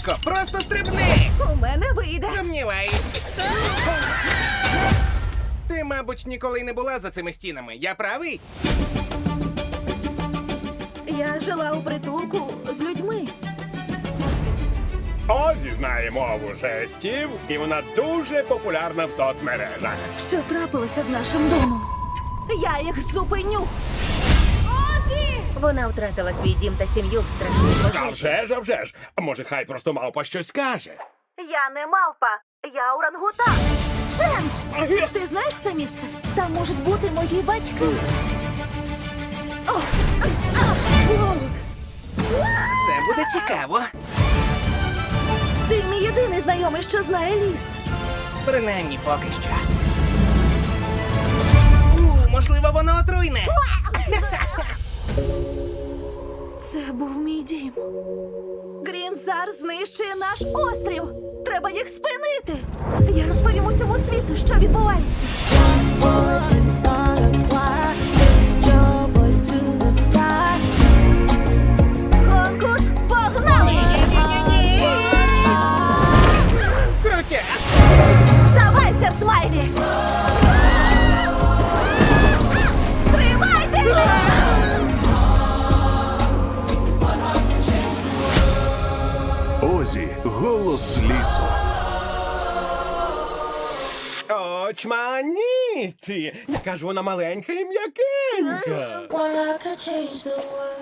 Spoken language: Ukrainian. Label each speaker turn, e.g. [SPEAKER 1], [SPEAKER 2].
[SPEAKER 1] легко, просто стрибни!
[SPEAKER 2] У мене вийде.
[SPEAKER 1] Сумніваюсь. Ти, мабуть, ніколи й не була за цими стінами. Я правий?
[SPEAKER 2] Я жила у притулку з людьми.
[SPEAKER 3] Озі знає мову жестів, і вона дуже популярна в соцмережах.
[SPEAKER 2] Що трапилося з нашим домом? Я їх зупиню.
[SPEAKER 4] Вона втратила свій дім та сім'ю в страшній
[SPEAKER 3] А
[SPEAKER 4] пожежі.
[SPEAKER 3] вже ж, а вже ж. А може, хай просто мавпа щось скаже.
[SPEAKER 2] Я не мавпа, я орангутан. Ченс! Ти знаєш це місце? Там можуть бути мої батьки. О!
[SPEAKER 1] Це буде цікаво.
[SPEAKER 2] Ти мій єдиний знайомий, що знає ліс.
[SPEAKER 1] Принаймні поки що. Можливо, воно отруйне.
[SPEAKER 2] Це був мій дім. Грінзар знищує наш острів. Треба їх спинити. Я розповім усьому світу, що відбувається.
[SPEAKER 5] Voice and start a choir. Lift your voice to the sky.
[SPEAKER 2] Конкурс погнали!
[SPEAKER 1] Крутя!
[SPEAKER 2] Здавайся, Смайлі! Тримайтесь!
[SPEAKER 6] Озі, голос лісу.
[SPEAKER 3] Очманіті! Яка ж вона маленька і м'якенька.
[SPEAKER 5] Well, I could change the world.